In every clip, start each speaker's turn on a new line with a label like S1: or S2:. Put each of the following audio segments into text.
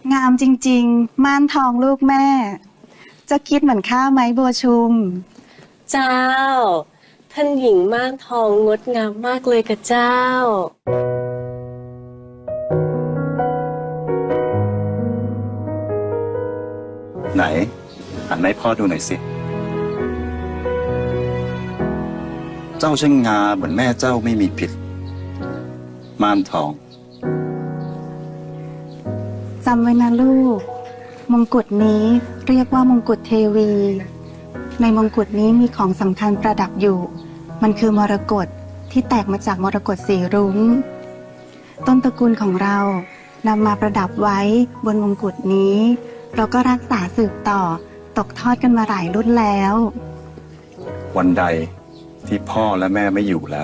S1: งามจริงๆม่านทองลูกแม่ จะคิดเหมือนข้าไหมบัวชุม
S2: เจ้า ท่านหญิงม่านทองงดงามมากเลยกับเจ้า
S3: ไหนหันให้พ่อดูหน่อยสิ เจ้าช่างงามเหมือนแม่เจ้าไม่มีผิด ม่านทอง
S1: จำไว้นะลูก มงกุฎนี้เรียกว่ามงกุฎเทวี ในมงกุฎนี้มีของสำคัญประดับอยู่ มันคือมรกตที่แตกมาจากมรกตสีรุ้ง ต้นตระกูลของเรานำมาประดับไว้บนมงกุฎนี้ เราก็รักษาสืบต่อตกทอดกันมาหลายรุ่นแล้ว
S3: วันใดที่พ่อและแม่ไม่อยู่แล้ว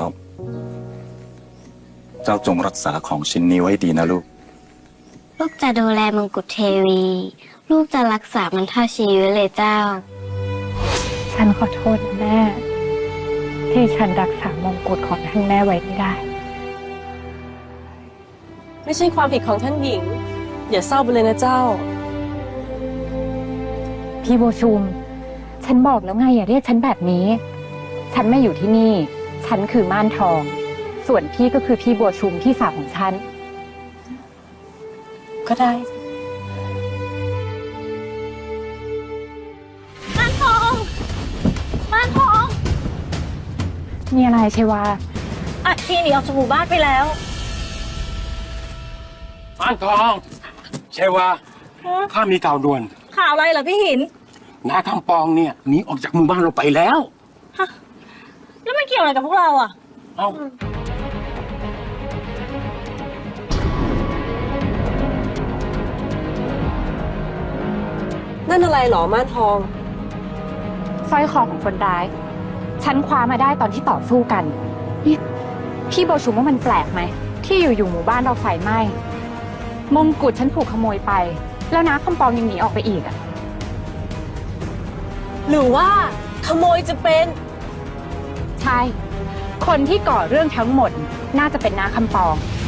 S3: เจ้าจงรักษาของชิ้นนี้ไว้ดีนะลูก
S4: ลูกจะดูแลมงกุฎเทวี ลูกจะรักษามันเท่าชีวิตเลยเจ้า
S5: ฉันขอโทษนะแม่ ที่ฉันรักษามงกุฎของท่านแม่ไว้ไม่ได้
S2: ไม่ใช่ความผิดของท่านหญิง อย่าเศร้าไปเลยนะเจ้า
S5: พี่โบวชุม ฉันบอกแล้วไงอย่าเรียกฉันแบบนี้ ฉันไม่อยู่ที่นี่ ฉันคือม่านทอง ส่วนพี่ก็คือพี่บัวชุมพี่สาวของฉัน
S2: ก็ได้
S5: มีอะไรใช่ว่า
S6: อัดทีหนีออกจากหมู่บ้านไปแล้ว
S7: ม่านทองใช่ว่าข้ามีข่าวด่วน
S6: ข่าวอะไรเหรอพี่หิน
S7: น้าคำปองเนี่ยหนีออกจากหมู่บ้านเราไปแล้ว
S6: แล้วมันเกี่ยวอะไรกับพวกเราอ่ะ
S7: เอ้า
S2: นั่นอะไรหรอม่านทอง
S5: สร้อยคอของคนร้าย ฉันคว้ามาได้ตอนที่ต่อสู้กันนี่พี่โบวชุมว่ามันแปลกไหม ที่อยู่ๆหมู่บ้านเราไฟไหม้ มงกุฎฉันถูกขโมยไป แล้วน้าคำปองยังหนีออกไปอีกอ่ะ
S2: หรือว่าขโมยจะเป็น
S5: ใช่ คนที่ก่อเรื่องทั้งหมดน่าจะเป็นน้าคำปอง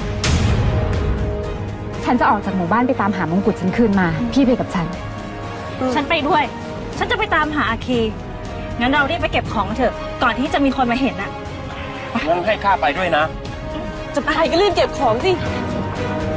S5: ฉันจะออกจากหมู่บ้านไปตามหามงกุฎฉันคืนมา พี่ไปกับฉัน
S6: ฉันไปด้วย ฉันจะไปตามหาอาคี งั้นเรารีบไปเก็บของเถอะ ก่อนที่จะมีคนมาเห็นอ่ะ
S7: งั้นให้ข้าไปด้วยนะ
S2: จะไปก็รีบเก็บของสิ
S7: ไ